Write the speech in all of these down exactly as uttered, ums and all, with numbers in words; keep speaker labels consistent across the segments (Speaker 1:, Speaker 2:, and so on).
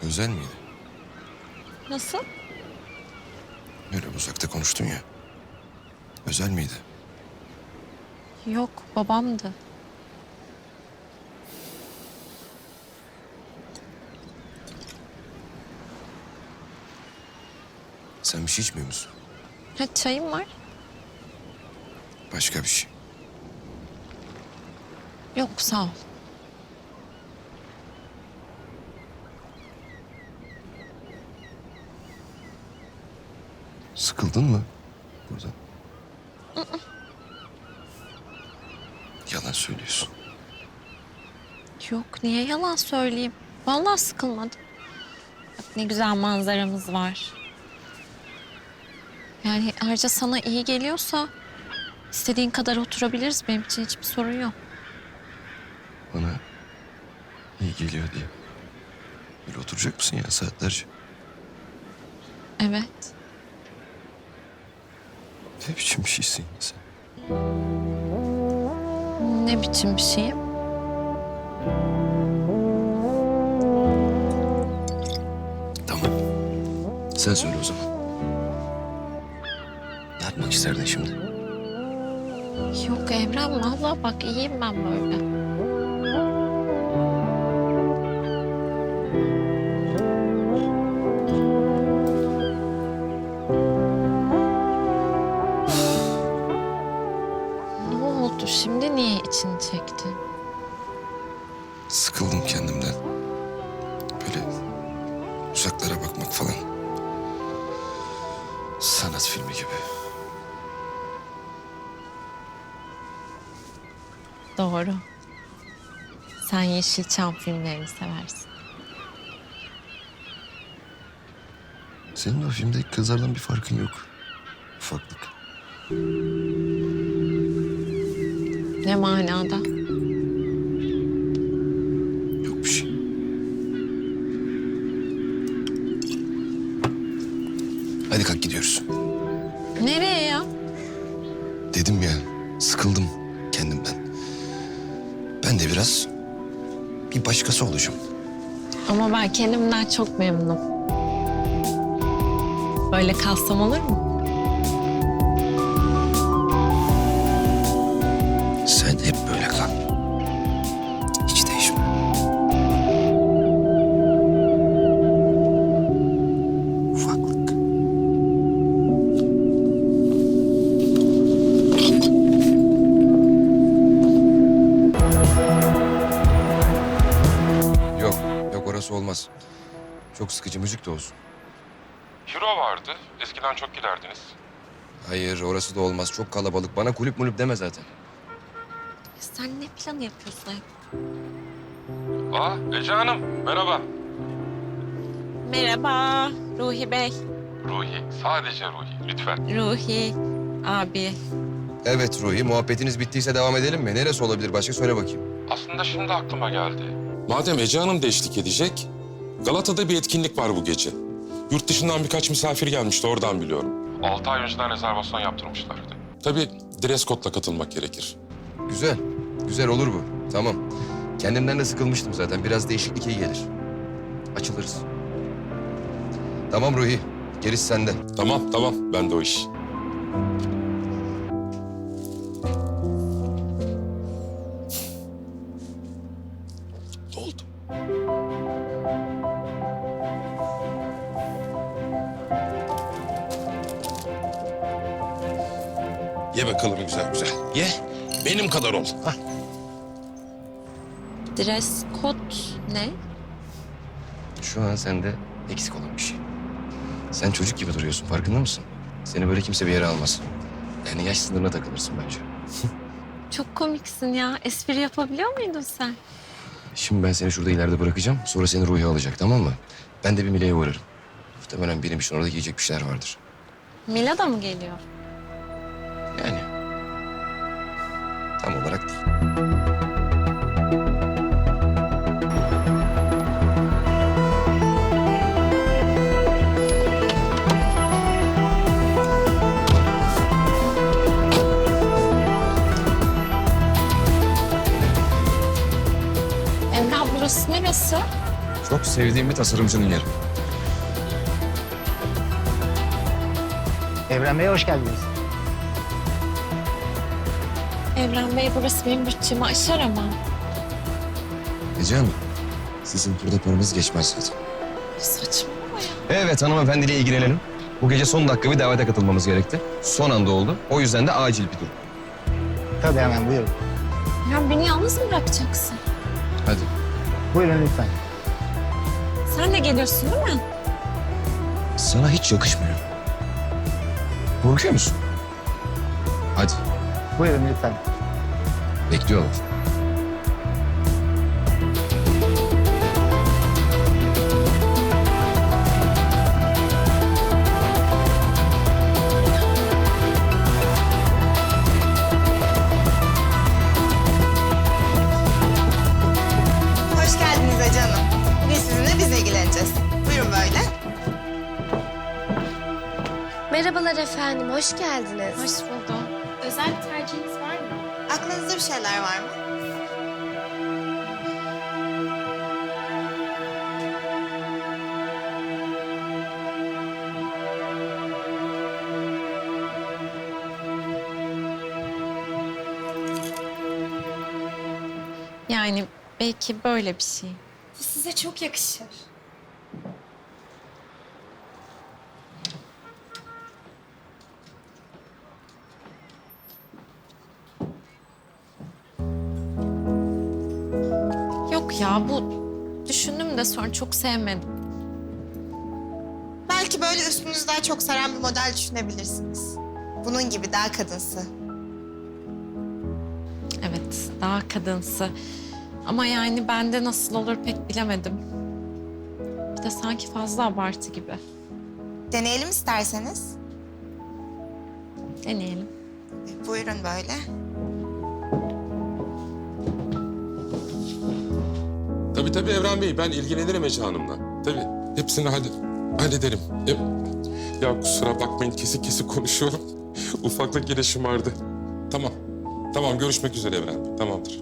Speaker 1: Özel miydi?
Speaker 2: Nasıl?
Speaker 1: Öyle uzakta konuştun ya. Özel miydi?
Speaker 2: Yok, babamdı.
Speaker 1: Sen bir şey içmiyor musun?
Speaker 2: Ha, çayım var.
Speaker 1: Başka bir şey.
Speaker 2: Yok, sağ ol.
Speaker 1: Sıkıldın mı buradan? Yalan söylüyorsun.
Speaker 2: Yok, niye yalan söyleyeyim? Vallahi sıkılmadım. Bak ne güzel manzaramız var. Yani ayrıca sana iyi geliyorsa istediğin kadar oturabiliriz. Benim için hiçbir sorun yok.
Speaker 1: Bana iyi geliyor diye. Böyle oturacak mısın ya saatlerce?
Speaker 2: Evet.
Speaker 1: Ne biçim bir şeysin ya sen?
Speaker 2: Ne biçim bir şeyim?
Speaker 1: Tamam. Sen söyle o zaman. Ne yapmak isterdin şimdi?
Speaker 2: Yok Evren, vallahi bak iyiyim ben böyle. Ne oldu şimdi, niye içini çektin?
Speaker 1: Sıkıldım kendimden. Böyle uzaklara bakmak falan. Sanat filmi gibi.
Speaker 2: Doğru. Sen Yeşilçam filmlerini seversin.
Speaker 1: Senin o filmdeki kızlardan bir farkın yok. Ufaklık.
Speaker 2: Ne manada?
Speaker 1: Yok bir şey. Hadi kalk gidiyoruz.
Speaker 2: Nereye ya?
Speaker 1: Dedim ya, sıkıldım kendimden. Ben de biraz bir başkası olacağım.
Speaker 2: Ama ben kendimden çok memnunum. Böyle kalsam olur mu?
Speaker 1: Sen hep böyle kal. Hiç değişme. Ufaklık. Yok, yok orası olmaz. Çok sıkıcı müzik de olsun.
Speaker 3: Euro vardı. Eskiden çok giderdiniz.
Speaker 1: Hayır, orası da olmaz. Çok kalabalık. Bana kulüp mulüp deme zaten.
Speaker 2: Sen ne planı yapıyorsun hep?
Speaker 3: Aa, Ece Hanım. Merhaba.
Speaker 2: Merhaba Ruhi Bey.
Speaker 3: Ruhi. Sadece Ruhi. Lütfen.
Speaker 2: Ruhi abi.
Speaker 1: Evet Ruhi, muhabbetiniz bittiyse devam edelim mi? Neresi olabilir? Başka söyle bakayım.
Speaker 3: Aslında şimdi aklıma geldi. Madem Ece Hanım da eşlik edecek, Galata'da bir etkinlik var bu gece. Yurt dışından birkaç misafir gelmişti, oradan biliyorum. Altı ay önceden rezervasyon yaptırmışlardı. Tabii dress code'la katılmak gerekir.
Speaker 1: Güzel, güzel olur bu. Tamam. Kendimden de sıkılmıştım zaten. Biraz değişiklik iyi gelir. Açılırız. Tamam Ruhi, gerisi sende.
Speaker 3: Tamam, tamam. Ben de o iş. Ne oldu? Ye bakalım güzel güzel. Ye. Benim kadar ol. Hah.
Speaker 2: Dress code ne?
Speaker 1: Şu an sende eksik olan bir şey. Sen çocuk gibi duruyorsun, farkında mısın? Seni böyle kimse bir yere almaz. Yani yaş sınırına takılırsın bence.
Speaker 2: Çok komiksin ya. Espri yapabiliyor muydun sen?
Speaker 1: Şimdi ben seni şurada ileride bırakacağım. Sonra seni Ruhi alacak, tamam mı? Ben de bir Mile'ye uğrarım. Muhtemelen benim için orada yiyecek bir şeyler vardır.
Speaker 2: Mila da mı geliyor?
Speaker 1: Yani tam olarak değil.
Speaker 2: Emrah, burası neresi?
Speaker 1: Çok sevdiğim bir tasarımcının yeri.
Speaker 4: Evren Bey'e hoş geldiniz.
Speaker 2: Evren Bey, burası benim bütçemi aşar ama.
Speaker 1: Ece Hanım, sizin burada paranız geçmez zaten.
Speaker 2: Saçmalama ya.
Speaker 1: Evet, hanımefendiyle ilgilenelim. Bu gece son dakika bir davete katılmamız gerekti. Son anda oldu. O yüzden de acil bir durum.
Speaker 4: Tabii hemen buyurun.
Speaker 2: Ya beni yalnız mı bırakacaksın?
Speaker 1: Hadi.
Speaker 4: Buyurun lütfen.
Speaker 2: Sen de geliyorsun değil mi?
Speaker 1: Sana hiç yakışmıyor. Korkuyor musun? Hadi,
Speaker 4: Buyurun lütfen.
Speaker 1: bekliyorlar.
Speaker 5: Hoş geldiniz Ece Hanım. Bugün sizinle biz ilgileneceğiz. Buyurun böyle.
Speaker 6: Merhabalar efendim, hoş geldiniz.
Speaker 2: Hoş buldum. Özel bir tercihiniz var mı?
Speaker 5: Aklınızda bir şeyler var mı?
Speaker 2: Yani belki böyle bir şey.
Speaker 6: Bu size çok yakışır.
Speaker 2: Yok ya, bu düşündüm de sonra çok sevmedim.
Speaker 5: Belki böyle üstünüzü daha çok saran bir model düşünebilirsiniz. Bunun gibi daha kadınsı.
Speaker 2: Evet, daha kadınsı. Ama yani bende nasıl olur pek bilemedim. Bir de sanki fazla abartı gibi.
Speaker 5: Deneyelim isterseniz.
Speaker 2: Deneyelim.
Speaker 5: E, Buyurun böyle.
Speaker 3: Tabii tabii Evren Bey, ben ilgilenirim Ece Hanım'la. Tabii, hepsini hallet hallederim. E, ya kusura bakmayın, kesik kesik konuşuyorum. Ufaklık yine şımardı. Tamam, tamam görüşmek üzere Evren Bey, tamamdır.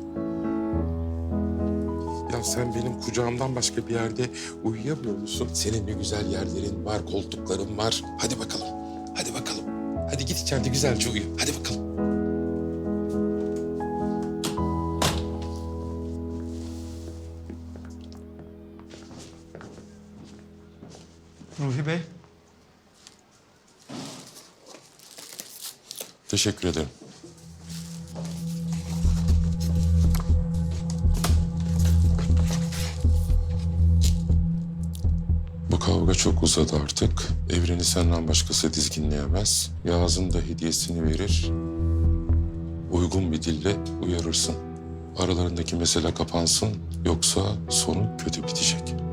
Speaker 3: Ya sen benim kucağımdan başka bir yerde uyuyamıyor musun? Senin ne güzel yerlerin var, koltukların var. Hadi bakalım, hadi bakalım. Hadi git içeride güzelce uyu, hadi bakalım.
Speaker 7: Ruhi Bey,
Speaker 3: Teşekkür ederim. Bu kavga çok uzadı artık. Evreni senden başkası dizginleyemez. Yağız'ın da hediyesini verir. Uygun bir dille uyarırsın. Aralarındaki mesele kapansın. Yoksa sonu kötü bitecek.